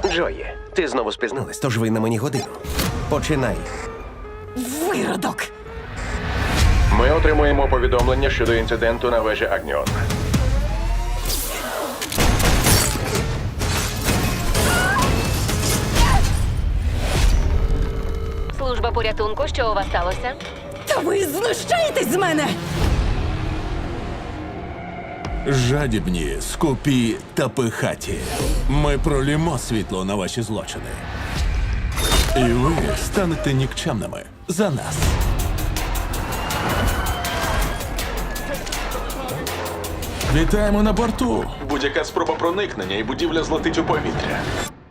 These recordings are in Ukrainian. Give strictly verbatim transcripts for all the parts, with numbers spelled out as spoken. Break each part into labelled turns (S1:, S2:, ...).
S1: Джої, ти знову спізнилась, тож ви на мені годину. Починай.
S2: Виродок!
S3: Ми отримуємо повідомлення щодо інциденту на вежі Агніон.
S4: Служба порятунку, що у вас сталося?
S2: Та ви знущаєтесь з мене!
S5: Жадібні, скупі та пихаті. Ми пролімо світло на ваші злочини. І ви станете нікчемними за нас. Вітаємо на борту. Будь-яка спроба проникнення і будівля злетить у повітря.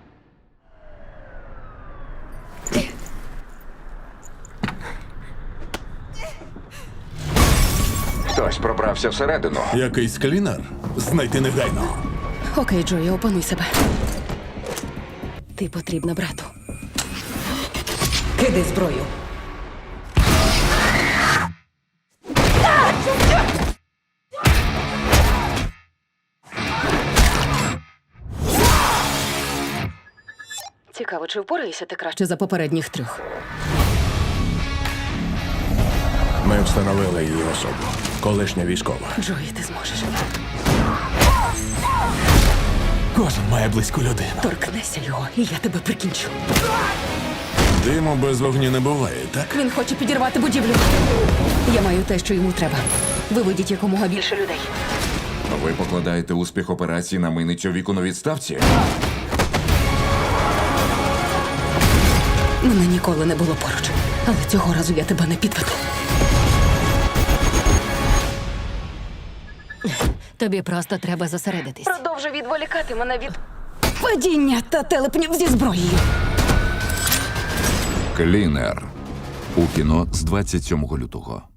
S3: Хтось пробрався всередину.
S5: Якийсь клінер? Знайти негайно.
S2: Окей, Джої, опануй себе. Ти потрібна брату. Кидай зброю. Цікаво, чи впораєшся ти краще за попередніх трьох?
S5: Ми встановили її особу. Колишня військова.
S2: Джої, ти зможеш.
S5: Кожен має близьку людину.
S2: Торкнешся його, і я тебе прикінчу.
S5: Диму без вогню не буває, так?
S2: Він хоче підірвати будівлю. Я маю те, що йому треба. Виведіть якомога більше людей.
S6: Ви покладаєте успіх операції на миницю віку на відставці?
S2: Мене ніколи не було поруч. Але цього разу я тебе не підведу.
S4: Тобі просто треба зосередитись.
S2: Продовжуй відволікати мене від падіння та телепнів зі зброєю.
S6: Клінер. У кіно з двадцять сьомого лютого.